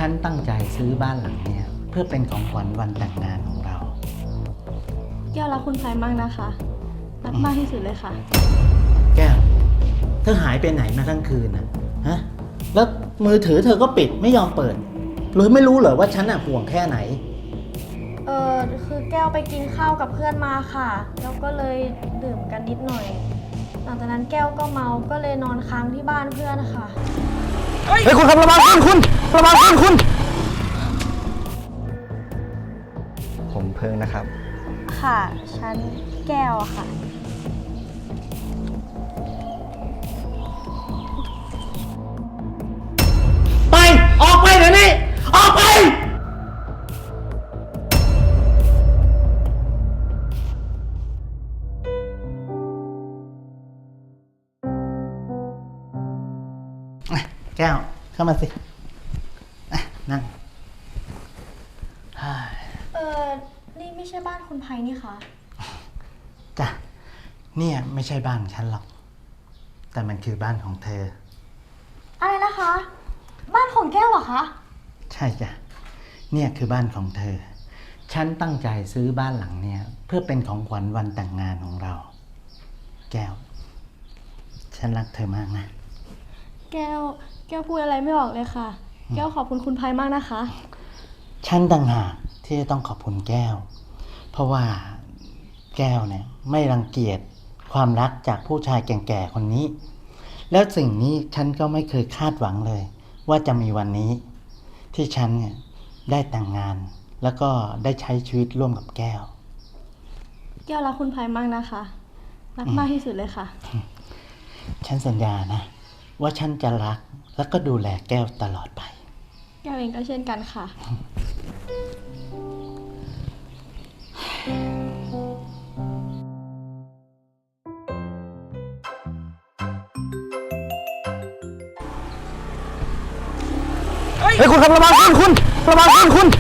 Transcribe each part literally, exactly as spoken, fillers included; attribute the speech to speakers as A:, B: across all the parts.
A: ฉันตั้งใจซื้อบ้านหลังเนี้ยเพื่อเป็นของขวัญวันแต่งงานของเรา
B: แก้วรักคุณไพมากนะคะรักมากที่สุดเลยค่ะ
A: แก้วเธอหายไปไหนมาทั้งคืนนะฮะแล้วมือถือเธอก็ปิดไม่ยอมเปิดหรือไม่รู้เหรอว่าฉันอะห่วงแค่ไหน
B: เออคือแก้วไปกินข้าวกับเพื่อนมาค่ะแล้วก็เลยดื่มกันนิดหน่อยหลังจากนั้นแก้วก็เมาก็เลยนอนค้างที่บ้านเพื่อนค่ะ
A: เฮ้ยคุณครับระวังขึ้นคุณระวังขึ้นคุณ
C: ผมเพิ่งนะครับ
B: ค่ะฉันแก้วค่ะ
A: ไปออกไปเดี๋ยวนี้ออกไปแก้วเข้ามาสินั่ง
B: เออนี่ไม่ใช่บ้านคุณไพนี่คะ
A: จ้ะเนี่ยไม่ใช่บ้านฉันหรอกแต่มันคือบ้านของเธอ
B: อะไรนะคะบ้านของแก้วเหรอคะ
A: ใช่จ้ะเนี่ยคือบ้านของเธอฉันตั้งใจซื้อบ้านหลังเนี่ยเพื่อเป็นของขวัญวันแต่งงานของเราแก้วฉันรักเธอมากนะ
B: แก้วแก้วพูดอะไรไม่ออกเลยค่ะแก้วขอบคุณคุณไพมากนะคะ
A: ฉันต่างหากที่จะต้องขอบคุณแก้วเพราะว่าแก้วเนี่ยไม่รังเกียจความรักจากผู้ชายแก่ๆคนนี้แล้วสิ่งนี้ฉันก็ไม่เคยคาดหวังเลยว่าจะมีวันนี้ที่ฉันเนี่ยได้แต่งงานแล้วก็ได้ใช้ชีวิตร่วมกับแก้ว
B: แก้วรักคุณไพมากนะคะรักมากที่สุดเลยค่ะ
A: ฉันสัญญานะว่าฉันจะรักแล้วก็ดูแลแก้วตลอดไป
B: แก้วเองก็เช่นกันค่ะ
A: เฮ้ยคุณครับระวังขึ้นคุณระวังขึ้นคุณ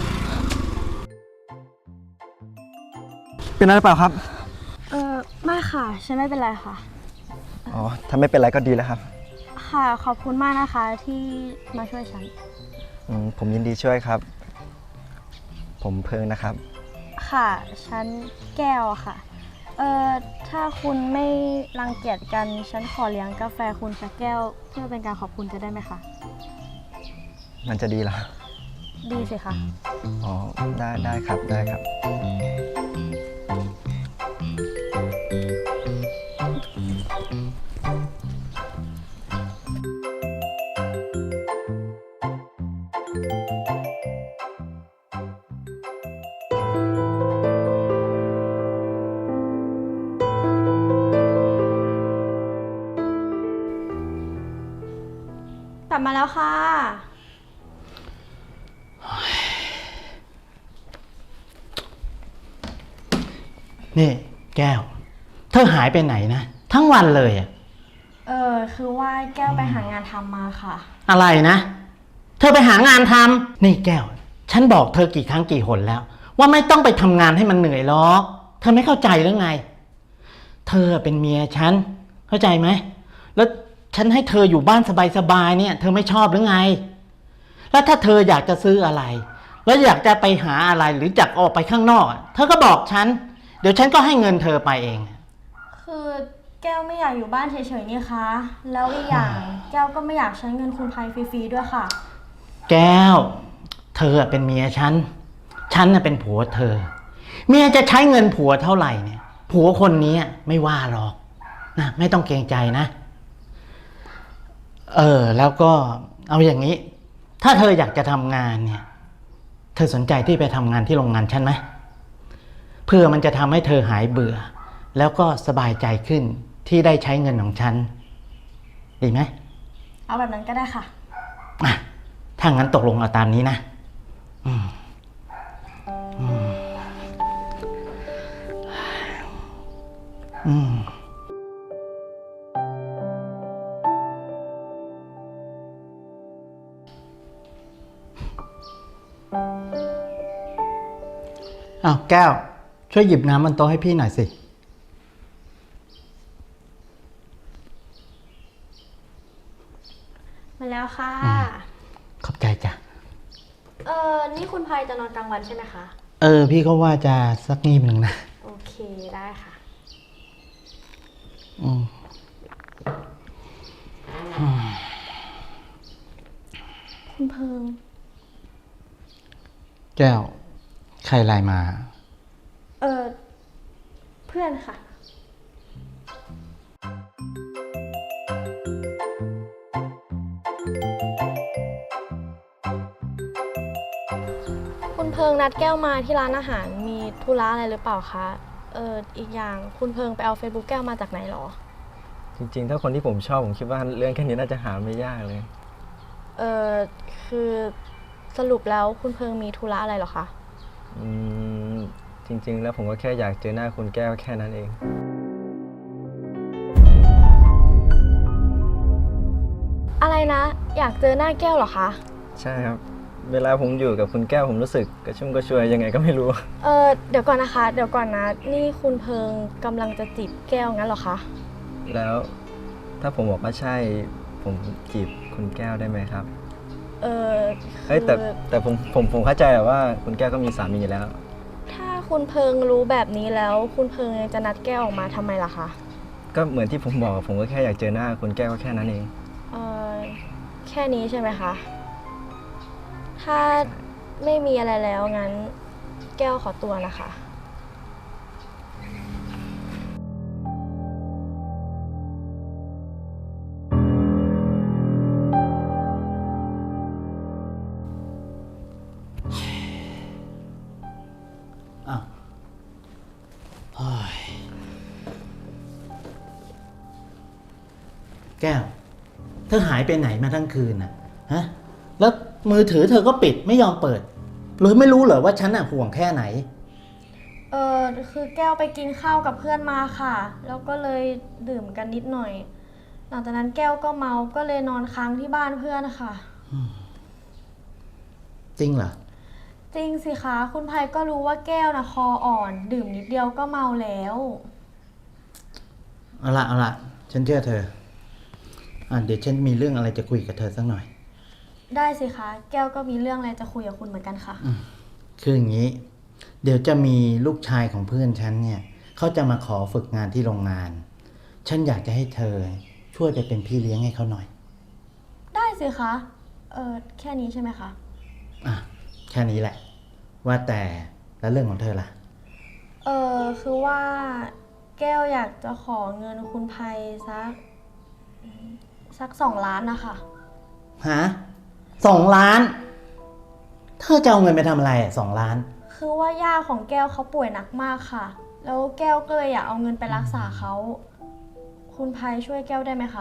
C: เป็นอะไรเปล่าครับ
B: เออไม่ค่ะฉันไม่เป็นไรค่ะ
C: อ๋อถ้าไม่เป็นไรก็ดีแล้วครับ
B: ค่ะขอบคุณมากนะคะที่มาช่วยฉัน
C: อืมผมยินดีช่วยครับ ผมเพิ่งนะครับ
B: ค่ะฉันแก้วค่ะเอ่อถ้าคุณไม่รังเกียจกันฉันขอเลี้ยงกาแฟคุณสักแก้วเพื่อเป็นการขอบคุณจะได้ไหมคะ
C: มันจะดีเหรอ
B: ดีสิคะ
C: อ๋อได้ได้ครับได้ครับ
B: กลับมาแล้วค่ะ
A: นี่แก้วเธอหายไปไหนนะทั้งวันเลยอ่ะ
B: เออคือว่าแก้วไปหางานทำมาค่ะ
A: อะไรนะเธอไปหางานทำนี่แก้วฉันบอกเธอกี่ครั้งกี่หนแล้วว่าไม่ต้องไปทำงานให้มันเหนื่อยหรอกเธอไม่เข้าใจหรือไงเธอเป็นเมียฉันเข้าใจไหมแล้วฉันให้เธออยู่บ้านสบายๆเนี่ยเธอไม่ชอบหรือไงแล้วถ้าเธออยากจะซื้ออะไรแล้วอยากจะไปหาอะไรหรือจักออกไปข้างนอกเธอก็บอกฉันเดี๋ยวฉันก็ให้เงินเธอไปเอง
B: คือแก้วไม่อยากอยู่บ้านเฉยๆนี่คะแล้วอีกอย่างแก้วก็ไม่อยากใช้เงินคุณไพฟรีๆด้วยค่ะ
A: แก้วเธอเป็นเมียฉันฉันน่ะเป็นผัวเธอเมียจะใช้เงินผัวเท่าไหร่เนี่ยผัวคนนี้ไม่ว่าหรอกนะไม่ต้องเกรงใจนะเออแล้วก็เอาอย่างนี้ถ้าเธออยากจะทำงานเนี่ยเธอสนใจที่ไปทำงานที่โรงงานฉันไหมเพื่อมันจะทำให้เธอหายเบื่อแล้วก็สบายใจขึ้นที่ได้ใช้เงินของฉันดีไหม
B: เอาแบบนั้นก็ได้ค่ะ
A: อ่ะถ้างั้นตกลงเอาตามนี้นะอืมอืมอืมอ้าวแก้วช่วยหยิบน้ำบนโต๊ะให้พี่หน่อยสิ
B: มาแล้วค่ะ
A: ขอบใจจ้ะ
B: เออนี่คุณพายจะนอนกลางวันใช่ไหมคะ
A: เออ พี่ก็ว่าจะสักนิดหนึ่งนะ
B: โอเคได้ค่ะ
A: อืมอืม
B: คุณเพิง
A: แก้ว ใครไลน์มา
B: เออเพื่อนค่ะ คุณเพิงนัดแก้วมาที่ร้านอาหารมีธุระอะไรหรือเปล่าคะเอออีกอย่างคุณเพิงไปเอา Facebook แก้วมาจากไหนหรอ
C: จริงๆ ถ้าคนที่ผมชอบผมคิดว่าเรื่องแค่นี้น่าจะหาไม่ยากเลย
B: เออคือสรุปแล้วคุณเพิงมีธุระอะไรหรอคะ
C: อืม จริง ๆ แล้วผมก็แค่อยากเจอหน้าคุณแก้วแค่นั้นเอง
B: อะไรนะ อยากเจอหน้าแก้วเหรอคะ
C: ใช่ครับ เวลาผมอยู่กับคุณแก้วผมรู้สึกกระชุ่มกระชวยยังไงก็ไม่รู้
B: เออเดี๋ยวก่อนนะคะ เดี๋ยวก่อนนะ นี่คุณเพิงกำลังจะจีบแก้วงั้นเหรอคะ
C: แล้วถ้าผมบอกว่าใช่ ผมจีบคุณแก้วได้ไหมครับ
B: เออ
C: เฮ้ยแต่
B: คือ
C: แต่ผมผมผมเข้าใจแหละว่าคุณแก้วก็มีสามีอยู่แล้ว
B: ถ้าคุณเพิงรู้แบบนี้แล้ว คุณเพิงยังจะนัดแก้วออกมาทำไมล่ะคะ
C: ก็เหมือนที่ผมบอกผมก็แค่อยากเจอหน้าคุณแก้วก็แค่นั้นเอง
B: เออแค่นี้ใช่ไหมคะ ถ้าไม่มีอะไรแล้วงั้นแก้วขอตัวนะคะ
A: อ้าวเฮ้ยแก้ว เธอหายไปไหนมาทั้งคืนน่ะ ฮะ แล้วมือถือเธอก็ปิดไม่ยอมเปิด หรือไม่รู้เหรอว่าฉันน่ะห่วงแค่ไหน
B: เออคือแก้วไปกินข้าวกับเพื่อนมาค่ะ แล้วก็เลยดื่มกันนิดหน่อย หลังจากนั้นแก้วก็เมา ก็เลยนอนค้างที่บ้านเพื่อนค่ะ
A: จริงเหรอ
B: จริงสิคะ คุณภัยก็รู้ว่าแก้วนะคออ่อน ดื่มนิดเดียวก็เมาแล้ว
A: เอาละเอาละฉันเชื่อเธอ อ่ะเดี๋ยวฉันมีเรื่องอะไรจะคุยกับเธอสักหน่อย
B: ได้สิคะ แก้วก็มีเรื่องอะไรจะคุยกับคุณเหมือนกันค่ะ
A: คืออย่างนี้ เดี๋ยวจะมีลูกชายของเพื่อนฉันเนี่ยเขาจะมาขอฝึกงานที่โรงงาน ฉันอยากจะให้เธอช่วยไปเป็นพี่เลี้ยงให้เขาหน่อย
B: ได้สิคะ เออแค่นี้ใช่ไหมคะ
A: อ่ะแค่นี้แหละ ว่าแต่แล้วเรื่องของเธอล่ะ
B: เออคือว่าแก้วอยากจะขอเงินคุณภัยสักสักสองล้านนะคะ
A: ฮะสองล้าน เธอจะเอาเงินไปทำอะไรอ่ะสองล้าน
B: คือว่าย่าของแก้วเขาป่วยหนักมากค่ะ แล้วแก้วก็เลยอยากเอาเงินไปรักษาเขา คุณภัยช่วยแก้วได้ไหมคะ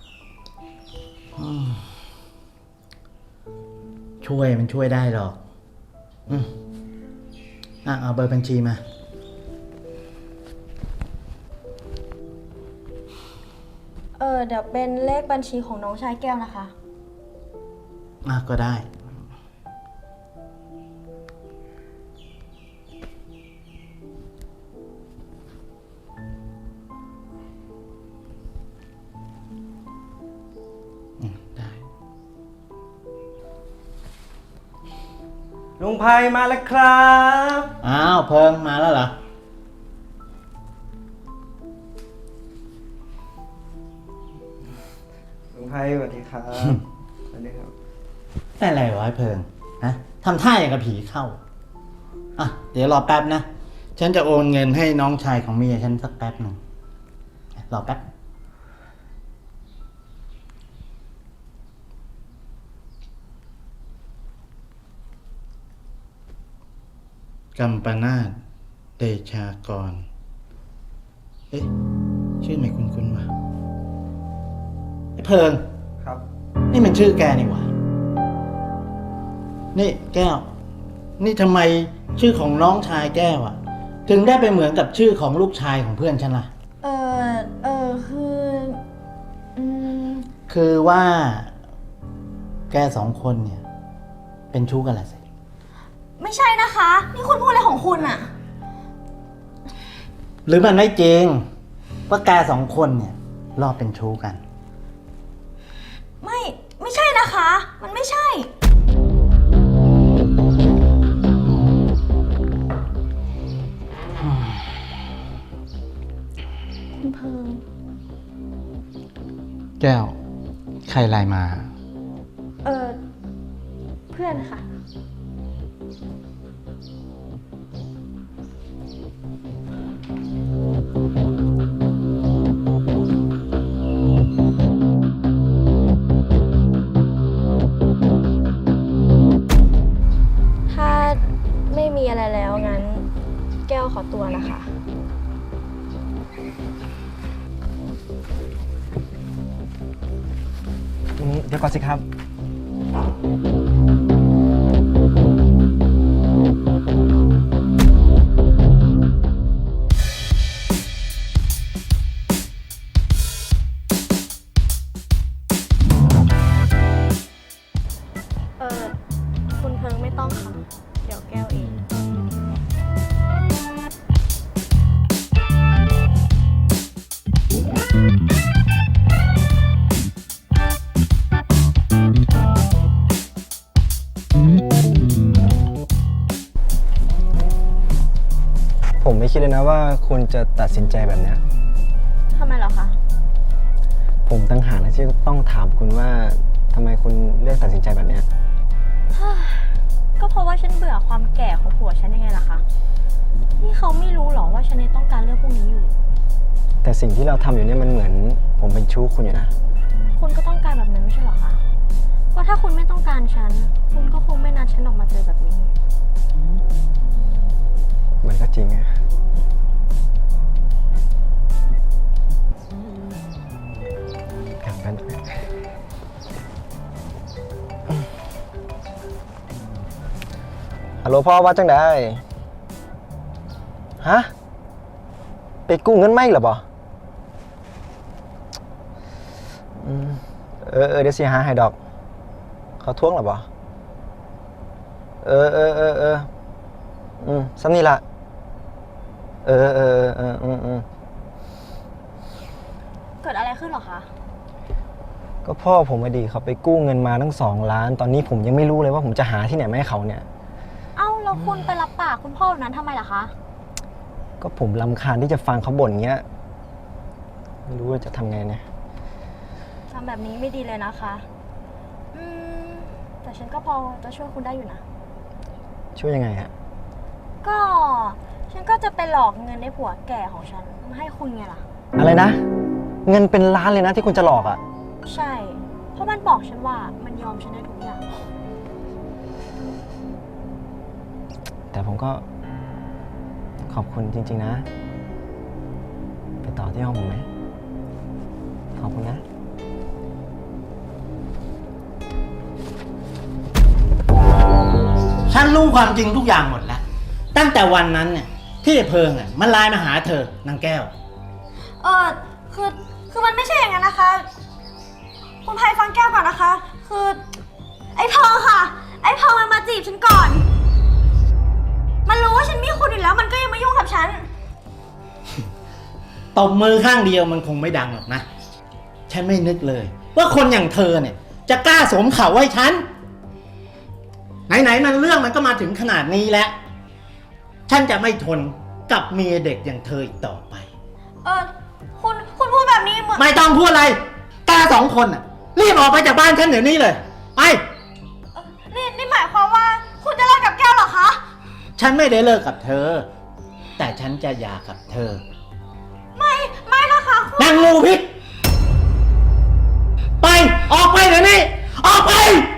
A: ช่วยมันช่วยได้หรอก อืมอ่ะเอาเบอร์บัญชีมา
B: เออเดี๋ยวเป็นเลขบัญชีของน้องชายแก้วนะคะ
A: อ่ะก็ได้ อืมได้
C: ลุงภัยมาแล้วครับ
A: อ้าวเพิงมาแล้วเหรอ
C: ลุงภัยสวัสดีครับ สวัสดีครับ
A: ได้อะไรวะไอ้เพิงฮะทำท่าอย่างกับผีเข้า อ่ะ เดี๋ยวรอแป๊บนะ ฉันจะโอนเงินให้น้องชายของเมียฉันสักแป๊บหนึ่งรอแป๊บ กัมปนาทเดชากร เอ๊ะ ชื่อไม่คุ้นๆวะไอ้เพิง
C: ครับ
A: นี่มันชื่อแกนี่หว่า นี่แก้ว นี่ทำไมชื่อของน้องชายแก้วอะถึงได้ไปเหมือนกับชื่อของลูกชายของเพื่อนฉันล่ะ
B: เออเออคืออืม
A: คือว่า แกสองคนเนี่ย เป็นชู้กันแหละสิ
B: ไม่ใช่นะคะ นี่คุณพูดอะไรของคุณอะ
A: หรือมันไม่จริง ว่าแกสองคนเนี่ย รอบเป็นชู้กัน
B: ไม่ ไม่ใช่นะคะ มันไม่ใช่
A: อก้ว ใครไลน์มา
B: เออเพื่อนค่ะ ถ้าไม่มีอะไรแล้วงั้น แก้วขอตัวนะคะ
C: อืมเดี๋ยวก่อนสิครับ
B: เออคุณเพิงไม่ต้องค่ะ เดี๋ยวแก้วเอง
C: ผมไม่คิดเลยนะว่าคุณจะตัดสินใจแบบเนี้ย
B: ทำไมเหรอคะ
C: ผมตั้งหากนะที่ต้องถามคุณว่าทำไมคุณเลือกตัดสินใจแบบเนี้ย
B: ก็เพราะว่าฉันเบื่อความแก่ของผัวฉันยังไงล่ะคะ นี่เขาไม่รู้หรอว่าฉันยังต้องการเรื่องพวกนี้อยู่
C: แต่สิ่งที่เราทำอยู่เนี่ยมันเหมือนผมเป็นชู้คุณอยู่นะ
B: คุณก็ต้องการแบบนั้นไม่ใช่เหรอคะ เพราะถ้าคุณไม่ต้องการฉัน คุณก็คงไม่นัดฉันออกมาเจอแบบนี้
C: มันก็จริงอะกลับกันฮัลโหลพ่อว่าจังได้ฮะ ไปกู้เงินไหมเหรอปะอืมเออเออเดี๋ยวสิหาให้ดอก เขาทวงเหรอปะเออเออเออเอออืมซ้ำนี่ละเออเออเอออืมอืม
B: เกิดอะไรขึ้นเหรอคะ
C: ก็พ่อผมอดีเขาไปกู้เงินมาตั้งสองล้าน ตอนนี้ผมยังไม่รู้เลยว่าผมจะหาที่ไหนมาให้เขาเนี่ย
B: เอ้าแล้วคุณไปรับปากคุณพ่อแบบนั้นทำไมล่ะคะ
C: ก็ผมรำคาญที่จะฟังเขาบ่นเงี้ย ไม่รู้ว่าจะทำไงเนี่ย
B: ทำแบบนี้ไม่ดีเลยนะคะ อืม แต่ฉันก็พอจะช่วยคุณได้อยู่นะ
C: ช่วยยังไงอะ
B: ก็ ฉันก็จะไปหลอกเงินในผัวแก่ของฉันมาให้คุณไงล่ะ
C: อะไรนะ เงินเป็นล้านเลยนะที่คุณจะหลอกอะ
B: ใช่ เพราะมันบอกฉันว่ามันยอมฉันได้ทุกอย่าง
C: แต่ผมก็ขอบคุณจริง ๆ นะ ไปต่อที่ห้องผมไหมขอบคุณนะ
A: ฉันรู้ความจริงทุกอย่างหมดแล้ว ตั้งแต่วันนั้นเนี่ยที่ไอ้เพิงอ่ะมันไลน์มาหาเธอนางแก้ว
B: เออคือ คือมันไม่ใช่อย่างนั้นนะคะ คุณไพฟังแก้วก่อนนะคะ คือ ไอ้พอค่ะ ไอ้พอมันมาจีบฉันก่อน มันรู้ว่าฉันมีคุณอยู่แล้ว มันก็ยังมายุ่งกับฉัน
A: ตบมือข้างเดียวมันคงไม่ดังหรอกนะ ฉันไม่นึกเลย ว่าคนอย่างเธอเนี่ย จะกล้าสวมเข่าไว้ฉัน ไหนๆมันเรื่องมันก็มาถึงขนาดนี้แล้ว ฉันจะไม่ทนกับเมียเด็กอย่างเธออีกต่อไป
B: เออคุณ คุณพูดแบบนี้เหมือน
A: ไม่ต้องพูดอะไรตาสองคนน่ะ รีบออกไปจากบ้านฉันเดี๋ยวนี้เลย ไป
B: เอ่อนี่นี่หมายความว่า คุณจะเลิกกับแก้วเหรอคะ
A: ฉันไม่ได้เลิกกับเธอ แต่ฉันจะหย่ากับเธอ
B: ไม่ ไม่นะคะคุณ
A: นางงูพิษ ไป ออกไปเดี๋ยวนี้ ออกไป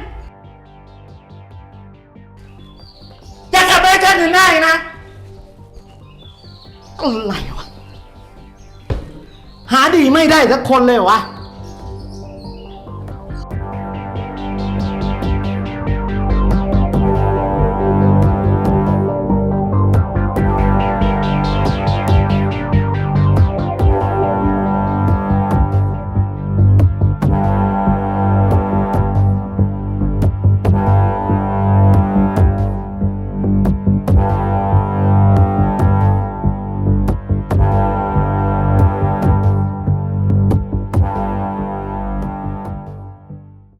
A: อย่ากลับไปฉันถึงได้นะ อะไรวะ หาดีไม่ได้สักคนเลยวะ